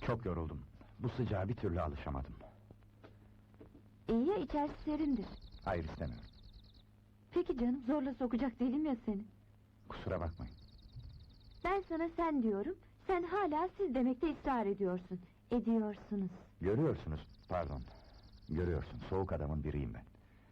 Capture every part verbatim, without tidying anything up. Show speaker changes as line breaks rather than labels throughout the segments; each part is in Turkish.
Çok yoruldum. Bu sıcağa bir türlü alışamadım.
İyi ya, içerisi serindir.
Hayır, istemiyorum.
Peki canım, zorla sokacak değilim ya seni.
Kusura bakmayın.
Ben sana sen diyorum, sen hala siz demekte ısrar ediyorsun. Ediyorsunuz.
Görüyorsunuz, pardon. Görüyorsun, soğuk adamın biriyim ben.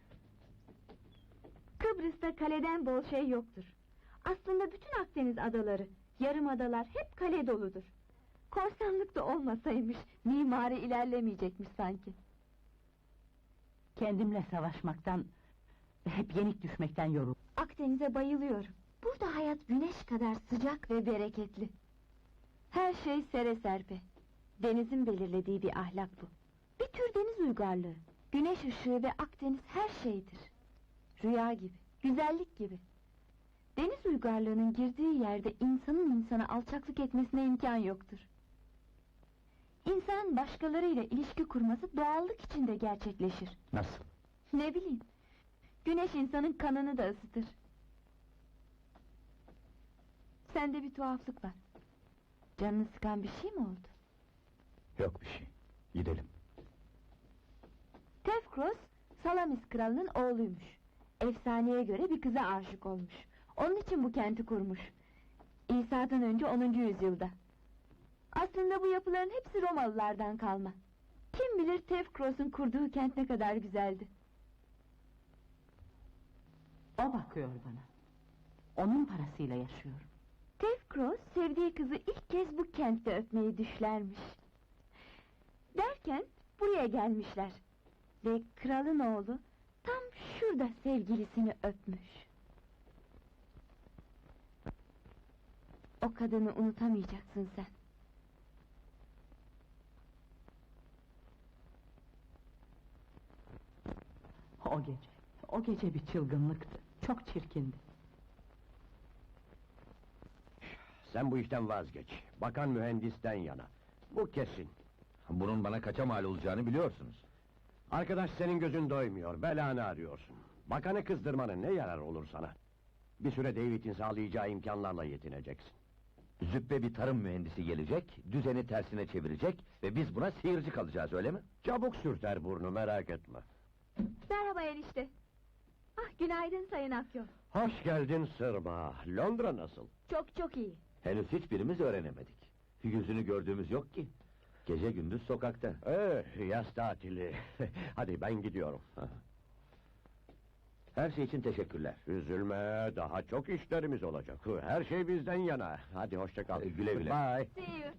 Kıbrıs'ta kaleden bol şey yoktur. Aslında bütün Akdeniz adaları, yarım adalar hep kale doludur. Korsanlık da olmasaymış, mimari ilerlemeyecekmiş sanki.
Kendimle savaşmaktan, hep yenik düşmekten yoruldum.
Akdeniz'e bayılıyorum. Burada hayat güneş kadar sıcak ve bereketli. Her şey sere serpe. Denizin belirlediği bir ahlak bu. Bir tür deniz uygarlığı. Güneş ışığı ve Akdeniz her şeydir. Rüya gibi, güzellik gibi. Deniz uygarlığının girdiği yerde insanın insana alçaklık etmesine imkan yoktur. İnsan başkalarıyla ilişki kurması doğallık içinde gerçekleşir.
Nasıl?
Ne bileyim, güneş insanın kanını da ısıtır. Sende bir tuhaflık var. Canını sıkan bir şey mi oldu?
Yok bir şey. Gidelim.
Tevkros, Salamis kralının oğluymuş. Efsaneye göre bir kıza aşık olmuş. Onun için bu kenti kurmuş. İsa'dan önce onuncu yüzyılda. Aslında bu yapıların hepsi Romalılardan kalma. Kim bilir Tevkros'un kurduğu kent ne kadar güzeldi.
O bakıyor bana. Onun parasıyla yaşıyorum.
Tevkros sevdiği kızı ilk kez bu kentte öpmeyi düşlermiş. Derken buraya gelmişler. Ve kralın oğlu tam şurada sevgilisini öpmüş. O kadını unutamayacaksın sen.
O gece, o gece bir çılgınlıktı. Çok çirkindi.
Sen bu işten vazgeç. Bakan mühendisten yana. Bu kesin.
Bunun bana kaça mal olacağını biliyorsunuz.
Arkadaş senin gözün doymuyor, belanı arıyorsun. Bakanı kızdırmanın ne yarar olur sana? Bir süre David'in sağlayacağı imkanlarla yetineceksin.
Züppe bir tarım mühendisi gelecek, düzeni tersine çevirecek ve biz buna seyirci kalacağız, öyle mi?
Çabuk sürter burnu, merak etme.
Merhaba enişte. Ah, günaydın Sayın Akyol.
Hoş geldin Sırma. Londra nasıl?
Çok çok iyi.
Henüz hiçbirimiz öğrenemedik. Yüzünü gördüğümüz yok ki. Gece gündüz sokakta.
Eh, yaz tatili. Hadi ben gidiyorum.
Her şey için teşekkürler.
Üzülme, daha çok işlerimiz olacak. Her şey bizden yana. Hadi hoşça kal.
Ee, güle güle.
Bye.
See you.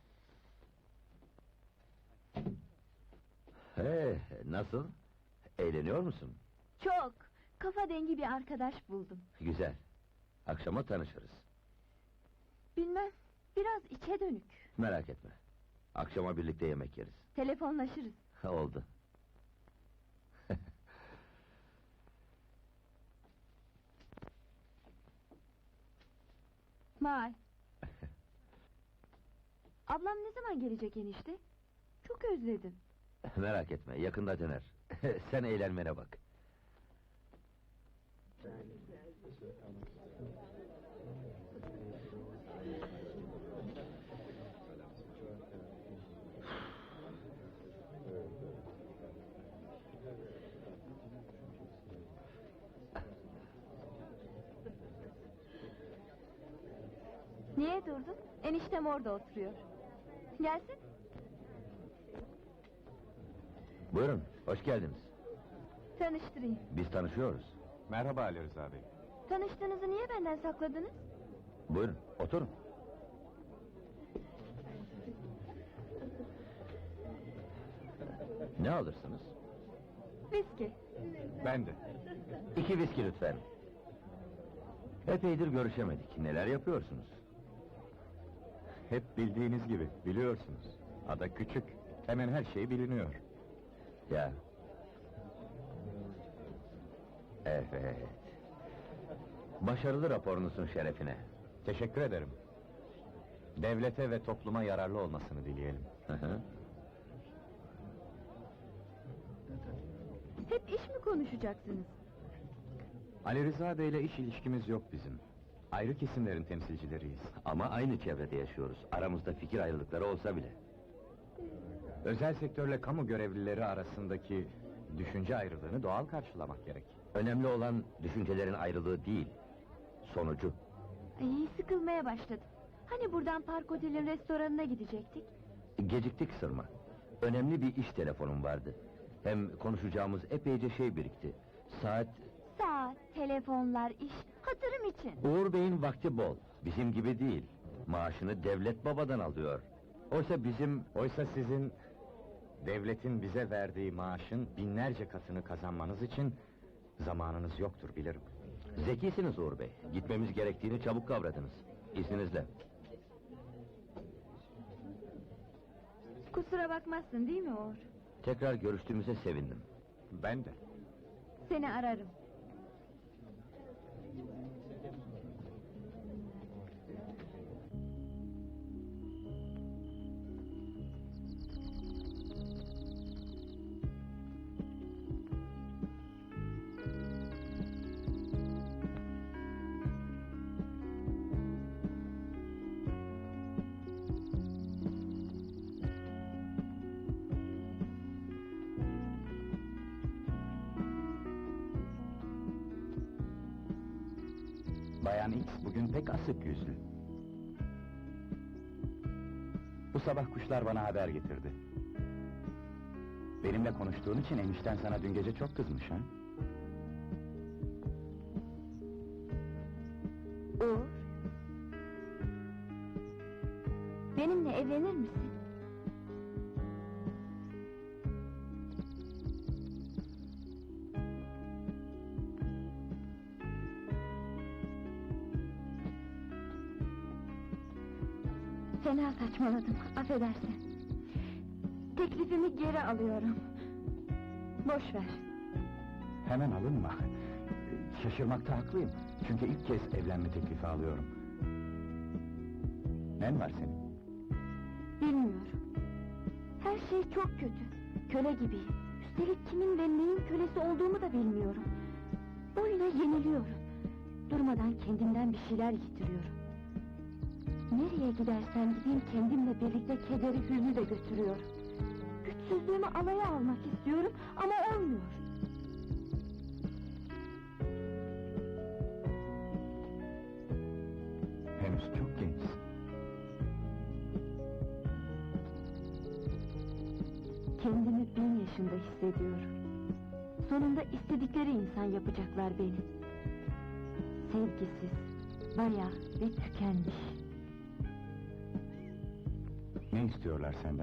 He, nasıl? Eğleniyor musun?
Çok. Kafa dengi bir arkadaş buldum.
Güzel. Akşama tanışırız.
Bilmem, biraz içe dönük.
Merak etme. Akşama birlikte yemek yeriz.
Telefonlaşırız.
Oldu.
May. Ablam ne zaman gelecek enişte? Çok özledim.
Merak etme, yakında döner. Sen eğlenmene bak.
Niye durdun? Eniştem orada oturuyor. Gelsin.
Buyurun, hoş geldiniz.
Tanıştırayım.
Biz tanışıyoruz.
Merhaba Ali Rıza Bey.
Tanıştığınızı niye benden sakladınız?
Buyurun, oturun. Ne alırsınız?
Viski.
Ben de.
İki viski lütfen. Epeydir görüşemedik. Neler yapıyorsunuz?
Hep bildiğiniz gibi, biliyorsunuz. Ada küçük, hemen her şey biliniyor.
Ya. Evet. Başarılı raporunuzun şerefine.
Teşekkür ederim. Devlete ve topluma yararlı olmasını dileyelim.
Hı hı.
Hep iş mi konuşacaksınız?
Ali Rıza Bey'le iş ilişkimiz yok bizim. Ayrı kesimlerin temsilcileriyiz.
Ama aynı çevrede yaşıyoruz. Aramızda fikir ayrılıkları olsa bile.
Özel sektörle kamu görevlileri arasındaki düşünce ayrılığını doğal karşılamak gerek.
Önemli olan düşüncelerin ayrılığı değil, sonucu.
Ay, sıkılmaya başladım. Hani buradan Park Otel'in restoranına gidecektik?
Geciktik Sırma. Önemli bir iş telefonum vardı. Hem konuşacağımız epeyce şey birikti. Saat...
Saat, telefonlar, iş, hatırım için.
Uğur Bey'in vakti bol. Bizim gibi değil. Maaşını devlet babadan alıyor. Oysa bizim...
Oysa sizin devletin bize verdiği maaşın binlerce katını kazanmanız için zamanınız yoktur bilirim.
Zekisiniz Uğur Bey. Gitmemiz gerektiğini çabuk kavradınız. İzninizle.
Kusura bakmazsın değil mi Uğur?
Tekrar görüştüğümüze sevindim.
Ben de.
Seni ararım.
Bayan X bugün pek asık yüzlü. Bu sabah kuşlar bana haber getirdi. Benimle konuştuğun için enişten sana dün gece çok kızmış ha?
Uğur. Benimle evlenir misin? Fena saçmaladım, affedersin. Teklifimi geri alıyorum. Boş ver.
Hemen alınma. Şaşırmakta haklıyım. Çünkü ilk kez evlenme teklifi alıyorum. Nen var senin?
Bilmiyorum. Her şey çok kötü. Köle gibiyim. Üstelik kimin ve neyin kölesi olduğumu da bilmiyorum. Oyuna yeniliyorum. Durmadan kendimden bir şeyler yitiriyorum. Nereye gidersem gideyim kendimle birlikte kederi hüznü de götürüyorum. Güçsüzlüğümü alaya almak istiyorum ama olmuyor.
Henüz çok gençsin.
Kendimi bin yaşında hissediyorum. Sonunda istedikleri insan yapacaklar beni. Sevgisiz, bayağı ve tükenmiş.
Ne istiyorlar senden?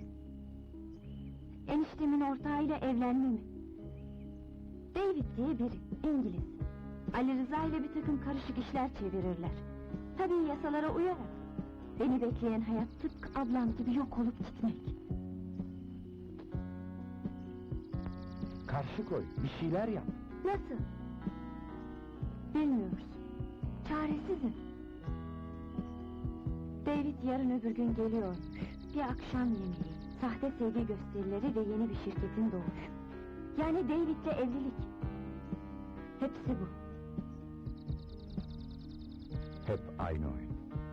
Eniştemin ortağıyla evlenmemi. David diye biri, İngiliz. Ali Rıza ile bir takım karışık işler çevirirler. Tabii yasalara uyarak. Beni bekleyen hayat tıpkı ablam gibi yok olup gitmek.
Karşı koy, bir şeyler yap.
Nasıl? Bilmiyoruz. Çaresizim. David yarın öbür gün geliyormuş. Bir akşam yemeği, sahte sevgi gösterileri ve yeni bir şirketin doğuşu. Yani David'le evlilik. Hepsi bu.
Hep aynı oyun.